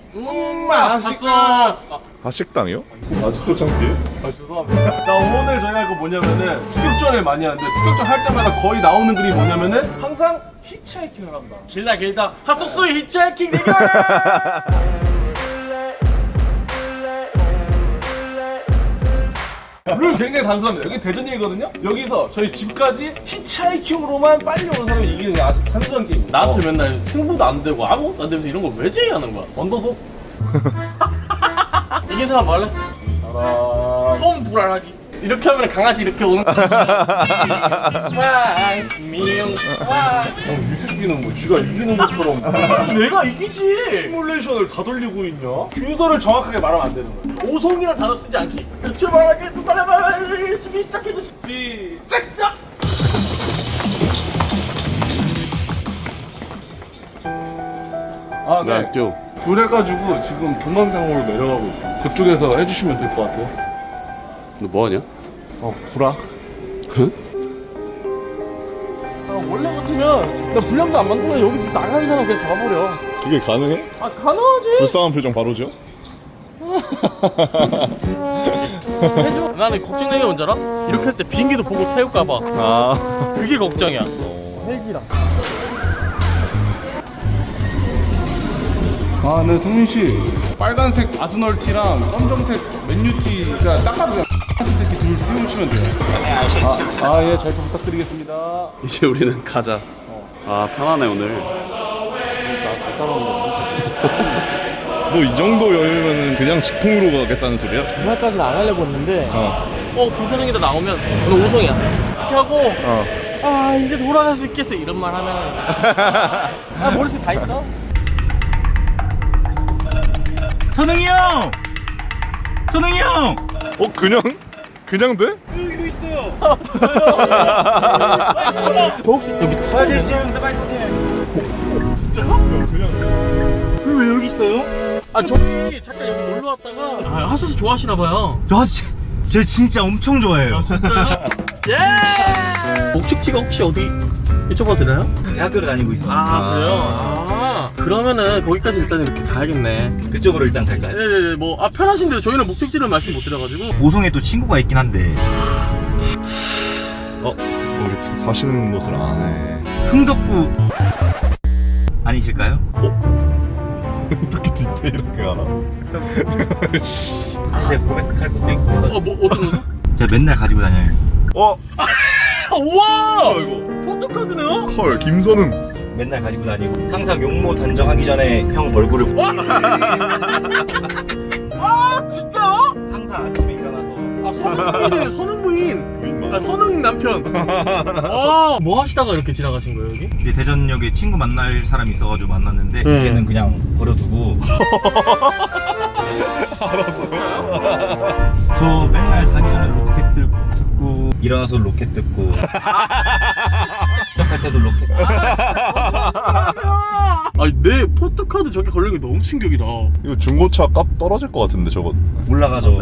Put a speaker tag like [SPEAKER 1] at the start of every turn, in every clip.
[SPEAKER 1] 맛있어.
[SPEAKER 2] 핫식당이요? 아직도 창피해?
[SPEAKER 1] 아 죄송합니다. 자 오늘 저희가 이거 뭐냐면은 추격전을 많이 하는데 추격전 할 때마다 거의 나오는 글이 뭐냐면은 항상 히치하이킹을 한다. 길다 핫소스의 히치하이킹 대결. 룰 굉장히 단순합니다. 여기 대전이거든요. 여기서 저희 집까지 히치하이킹으로만 빨리 오는 사람이 이기는 게 아주 단순한 게임. 나한테 맨날 승부도 안 되고 아무것도 안 되면서 이런 거 왜 제의하는 거야? 언더독? 이긴 사람 뭐 할래? 사람 처음 불안하기. 이렇게 하면 강아지 이렇게 오는 거지. 미용. 이 새끼는 뭐 쥐가 이기는 것처럼 내가 이기지. 시뮬레이션을 다 돌리고 있냐? 주소를 정확하게 말하면 안 되는 거야. 오송이란 단어 쓰지 않기. 대체 말하기 빨리 시작해줘. 시작. 아, 네.
[SPEAKER 2] 쭉.
[SPEAKER 1] 그래가지고 지금 동강강으로 내려가고 있어. 그쪽에서 해주시면 될 것 같아요.
[SPEAKER 2] 너 뭐하냐?
[SPEAKER 1] 구라.
[SPEAKER 2] 응?
[SPEAKER 1] 원래 같으면 나 불량도 안 만들면 여기 나가는 사람 그냥 잡아버려.
[SPEAKER 2] 그게 가능해?
[SPEAKER 1] 아 가능하지.
[SPEAKER 2] 불쌍한 표정 바로 줘?
[SPEAKER 1] 해줘. 나는 걱정되는 게 뭔지 알아? 이렇게 할 때 비행기도 보고 태울까봐.
[SPEAKER 2] 아
[SPEAKER 1] 그게 걱정이야. 헬기랑. 아, 네, 성민 씨. 빨간색 아스널 티랑 검정색 맨유 티가 딱 봐도 그냥 새끼 둘 띄우시면 돼요. 네, 알겠습니다. 아, 예, 잘 좀 부탁드리겠습니다.
[SPEAKER 2] 이제 우리는 가자. 아 편하네 오늘. 너 이 정도 여유면 그냥 직통으로 가겠다는 소리야?
[SPEAKER 1] 정말까지는 안 하려고 했는데 김선영이다 나오면 오늘 오송이야 이렇게 하고 아 이제 돌아갈 수 있겠어 이런 말 하면 아 머릿속에 다 있어.
[SPEAKER 3] 선웅이 형! 선웅이 형!
[SPEAKER 2] 그냥 돼?
[SPEAKER 3] 여기 있어요.
[SPEAKER 1] 저 혹시 여기 타야 되지?
[SPEAKER 3] 빨리 타세요.
[SPEAKER 2] 그냥
[SPEAKER 3] 왜 여기 있어요?
[SPEAKER 1] 아 저기 잠깐 여기 놀러 왔다가 아 핫소스 좋아하시나봐요.
[SPEAKER 3] 저 진짜 엄청 좋아해요.
[SPEAKER 1] 예! 목적지가 혹시 어디 여쭤봐도 되나요?
[SPEAKER 3] 대학교를 다니고 있어요.
[SPEAKER 1] 아 그래요? 아 그러면은 거기까지 일단 이렇게 가야겠네.
[SPEAKER 3] 그쪽으로 일단 갈까요?
[SPEAKER 1] 네네네 뭐 편하신 대로 저희는 목적지를 말씀 못 드려가지고
[SPEAKER 3] 오송에 또 친구가 있긴 한데
[SPEAKER 2] 우리 사시는 곳을 안 해.
[SPEAKER 3] 흥덕구 아니실까요?
[SPEAKER 2] 이렇게 디테일하게 알아?
[SPEAKER 3] 제가 고백할 것도 있고
[SPEAKER 1] 뭐 어떤 거죠?
[SPEAKER 3] 제가 맨날 가지고 다녀요.
[SPEAKER 1] 우와!
[SPEAKER 2] 이거
[SPEAKER 1] 포토카드네요?
[SPEAKER 2] 헐 김선웅.
[SPEAKER 3] 맨날 가지고 다니고 항상 용모 단정하기 전에 형 얼굴을
[SPEAKER 1] 아 진짜?
[SPEAKER 3] 항상 아침에 일어나서
[SPEAKER 1] 선웅 부인이네 선웅 부인. 아 선웅 남편. 뭐 하시다가 이렇게 지나가신 거예요 여기?
[SPEAKER 3] 이제 대전역에 친구 만날 사람이 있어가지고 만났는데 걔는 그냥 버려두고
[SPEAKER 2] 알았어요.
[SPEAKER 3] 저 맨날 자기 전에 로켓 듣고 일어나서 로켓 듣고 시작할 때도 로켓
[SPEAKER 1] 아니 내 포토카드 저기 걸린 게 너무 충격이다.
[SPEAKER 2] 이거 중고차 값 떨어질 것 같은데 저거.
[SPEAKER 3] 올라가죠.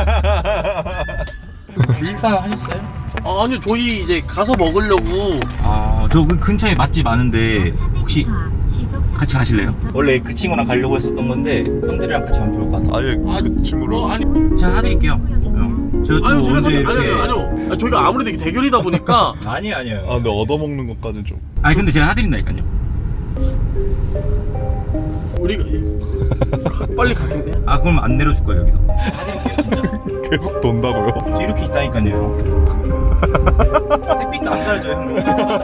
[SPEAKER 3] 식사 하셨어요?
[SPEAKER 1] 아니요 저희 이제 가서 먹으려고.
[SPEAKER 3] 저 그 근처에 맛집 많은데 혹시 같이 가실래요? 원래 그 친구랑 가려고 했었던 건데 형들이랑 같이 가면 좋을 것 같아요.
[SPEAKER 2] 아예 그 친구로.
[SPEAKER 1] 아니
[SPEAKER 3] 제가 사드릴게요. 형. 제가 또
[SPEAKER 1] 아니요 제가
[SPEAKER 3] 언제
[SPEAKER 1] 아니요 저희가 아무래도 이게 대결이다 보니까
[SPEAKER 3] 아니에요.
[SPEAKER 2] 아 근데 얻어먹는 것까지는 좀.
[SPEAKER 3] 아니 근데 제가 사드린다니까요.
[SPEAKER 1] 우리가 빨리 가겠네.
[SPEAKER 3] 그럼 안 내려줄 거예요 여기서. 사드릴게요 진짜.
[SPEAKER 2] 계속 돈다고요?
[SPEAKER 3] 저 이렇게 있다니까요. 햇빛도 안 가려져요 형님.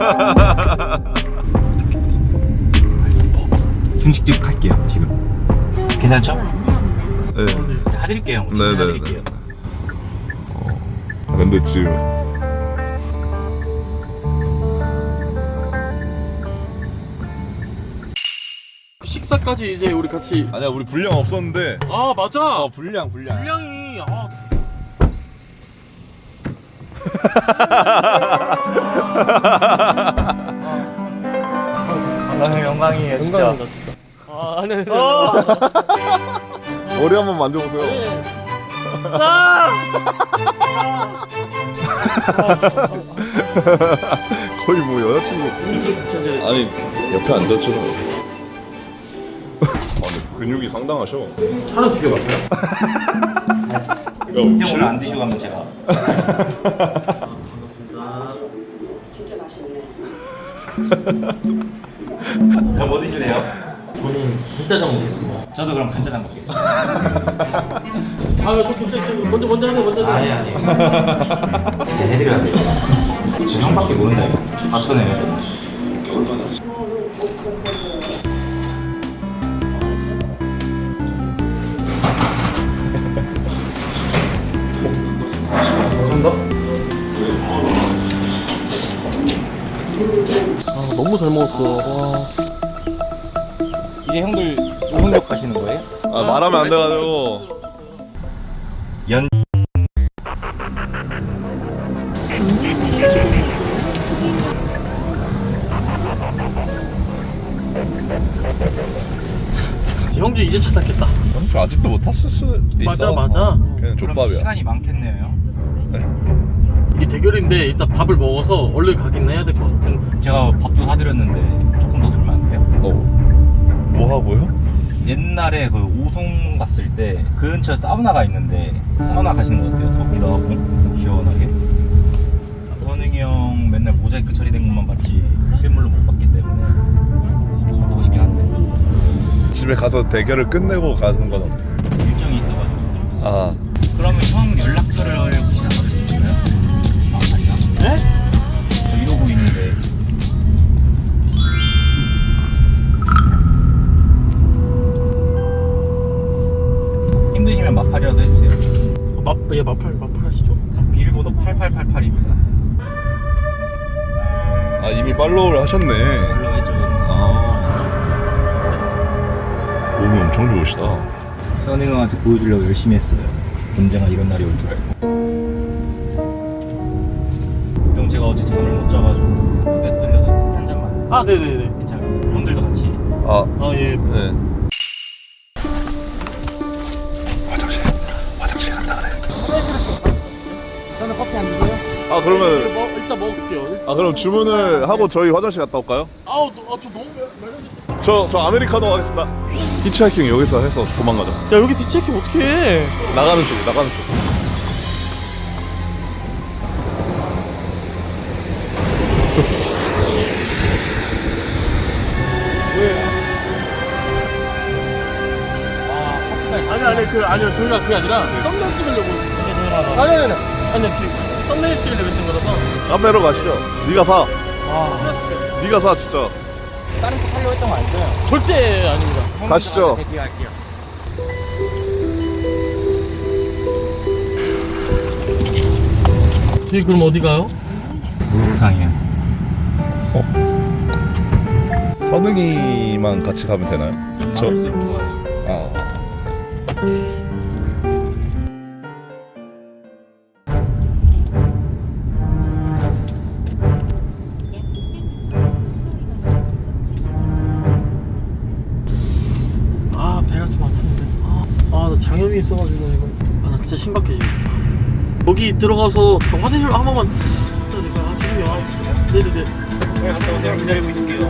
[SPEAKER 3] 중식집 갈게요 지금. 괜찮죠?
[SPEAKER 2] 네.
[SPEAKER 3] 사드릴게요. 진짜
[SPEAKER 2] 네네네.
[SPEAKER 3] 사드릴게요.
[SPEAKER 2] 근데 지금
[SPEAKER 1] 식사까지 이제 우리 같이.
[SPEAKER 2] 아니야 우리 분량 없었는데.
[SPEAKER 1] 아 맞아.
[SPEAKER 2] 분량이.
[SPEAKER 1] 분량이
[SPEAKER 3] 영광이에요 진짜.
[SPEAKER 1] 영광입니다 진짜. 아니.
[SPEAKER 2] 머리 한번 만져보세요. 거의 뭐 여자친구. 아니 옆에 앉았잖아. 아니 근육이 상당하셔.
[SPEAKER 1] 사람 죽여봤어요?
[SPEAKER 3] 형 오늘 안 드시고 가면 제가.
[SPEAKER 4] 진짜 맛있네.
[SPEAKER 3] 형 뭐 드실래요?
[SPEAKER 1] 저는 간짜장 먹겠습니다.
[SPEAKER 3] 저도 그럼 간짜장 먹겠습니다.
[SPEAKER 1] 좀 괜찮죠. 먼저 하세요. 먼저 하세요.
[SPEAKER 3] 아니. 제가 해드려야 돼요. 지금 형밖에 모른다 이거. 다 쳐내요.
[SPEAKER 1] 감사합니다. 너무 잘 먹었어. 와.
[SPEAKER 3] 이제 형들 우흥역 가시는 거예요?
[SPEAKER 2] 아 말하면 안 돼가지고.
[SPEAKER 3] 연.
[SPEAKER 1] 형주 이제 차 탔겠다.
[SPEAKER 2] 저 아직도 못 탔을 수 있어.
[SPEAKER 1] 맞아.
[SPEAKER 2] 그냥
[SPEAKER 3] 그럼
[SPEAKER 2] 족밥이야.
[SPEAKER 3] 시간이 많겠네요 형.
[SPEAKER 1] 이게 대결인데 일단 밥을 먹어서 얼른 가긴 해야 될 것 같은.
[SPEAKER 3] 제가 밥도 사드렸는데 조금 더 들면 안 돼요?
[SPEAKER 2] 뭐 하고요?
[SPEAKER 3] 옛날에 그 오송 갔을 때 그 근처에 사우나가 있는데 사우나 가시는 거 어때요? 덥기도 하고 시원하게. 선웅이 형 맨날 모자이크 처리된 것만 봤지 실물로 못 봤기 때문에 보고 싶긴 한데
[SPEAKER 2] 집에 가서 대결을 끝내고 가는 건 어때?
[SPEAKER 3] 일정이 있어가지고.
[SPEAKER 2] 아
[SPEAKER 3] 그러면 형 연락처를 혹시 받을 수 있나요? 아 아니야?
[SPEAKER 1] 네?
[SPEAKER 3] 저 이러고 있는데. 힘드시면 마팔이라도 해주세요.
[SPEAKER 1] 마팔 하시죠.
[SPEAKER 3] 비밀번호 8888입니다.
[SPEAKER 2] 아 이미 팔로우를 하셨네.
[SPEAKER 3] 올라가있죠.
[SPEAKER 2] 몸이 엄청 좋으시다.
[SPEAKER 3] 선웅 형한테 보여주려고 열심히 했어요. 언젠가 이런 날이 올 줄 알고. 형 제가 어제 잠을 못 자가지고 휴게소 들려서 한 잔만.
[SPEAKER 1] 아, 네네네.
[SPEAKER 3] 괜찮아요. 형들도 같이.
[SPEAKER 2] 아
[SPEAKER 1] 아, 예.
[SPEAKER 2] 네. 화장실 간다 그래.
[SPEAKER 1] 저는 커피 안 드세요?
[SPEAKER 2] 아 그러면
[SPEAKER 1] 일단 먹을게요.
[SPEAKER 2] 아 그럼 주문을 하고 저희 화장실 갔다 올까요?
[SPEAKER 1] 저 너무 말렸는데.
[SPEAKER 2] 저 아메리카노 하겠습니다. 히치하이킹 여기서 해서 도망가자.
[SPEAKER 1] 야, 여기 뒤체킹 어떻게 해?
[SPEAKER 2] 나가는 쪽.
[SPEAKER 1] 아니요, 저희가 그게 아니라 썸네일 찍으려고. 아니요, 썸네일 찍으려고 했던 거라서.
[SPEAKER 2] 카페로 가시죠. 네가 사. 네가 사 진짜.
[SPEAKER 3] 다른 쪽 하려고 했던 거 아니죠?
[SPEAKER 1] 절대 아닙니다.
[SPEAKER 2] 가시죠.
[SPEAKER 3] 대기할게요.
[SPEAKER 1] 저희 그럼 어디 가요?
[SPEAKER 3] 목욕탕이요.
[SPEAKER 2] 선웅이만 같이 가면 되나요?
[SPEAKER 3] 할수록 좋아요.
[SPEAKER 2] 아.
[SPEAKER 1] 아, 배가 좀 아픈데. 나 장염이 있어가지고 이거. 나 진짜 심각해 지금. 여기 들어가서 잠깐 화장실 한 번만. 지금요. 진짜. 네네네.
[SPEAKER 3] 네, 갔다 오세요. 기다리고 있을게요.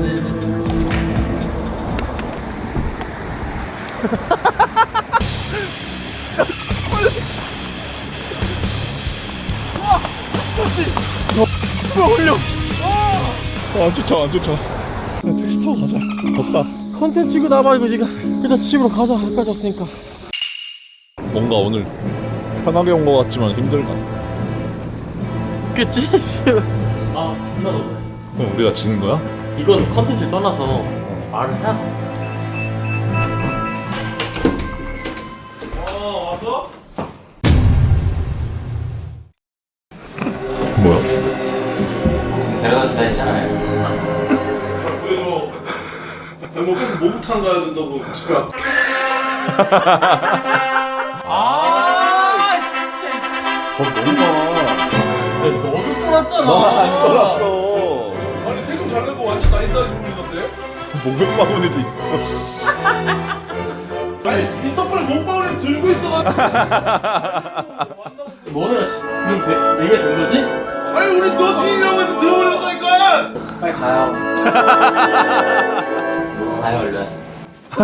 [SPEAKER 2] 안 쫓아. 택시 타고 가자. 덥다.
[SPEAKER 1] 컨텐츠 이거 나봐 이거 지금. 일단 집으로 가자. 여기까지 왔으니까.
[SPEAKER 2] 뭔가 오늘 편하게 온 것 같지만 힘들다.
[SPEAKER 1] 그치? 존나 너무.
[SPEAKER 2] 그럼 우리가 지는 거야?
[SPEAKER 1] 이건 컨텐츠를 떠나서 말을 해야 돼. 왔어?
[SPEAKER 2] 뭐야?
[SPEAKER 3] 데려다 했잖아요.
[SPEAKER 1] 보여줘. 뭐 계속 목욕탕 가야 된다고 집에.
[SPEAKER 2] 겁 너무 많아.
[SPEAKER 1] 너도 쫄았잖아.
[SPEAKER 2] 나안 쫄았어.
[SPEAKER 1] 아니 세금 잘 내고 완전 나이스하신 분이던데?
[SPEAKER 2] 목욕바구니도 있어.
[SPEAKER 1] 아니 인터폴에 몸빵을 들고 있어가지고. 너네 그럼 얘기가 된 거지? 아니 우리 너 지인이라고 해서 들어버렸다니까.
[SPEAKER 3] 빨리 가요. 가요 얼른.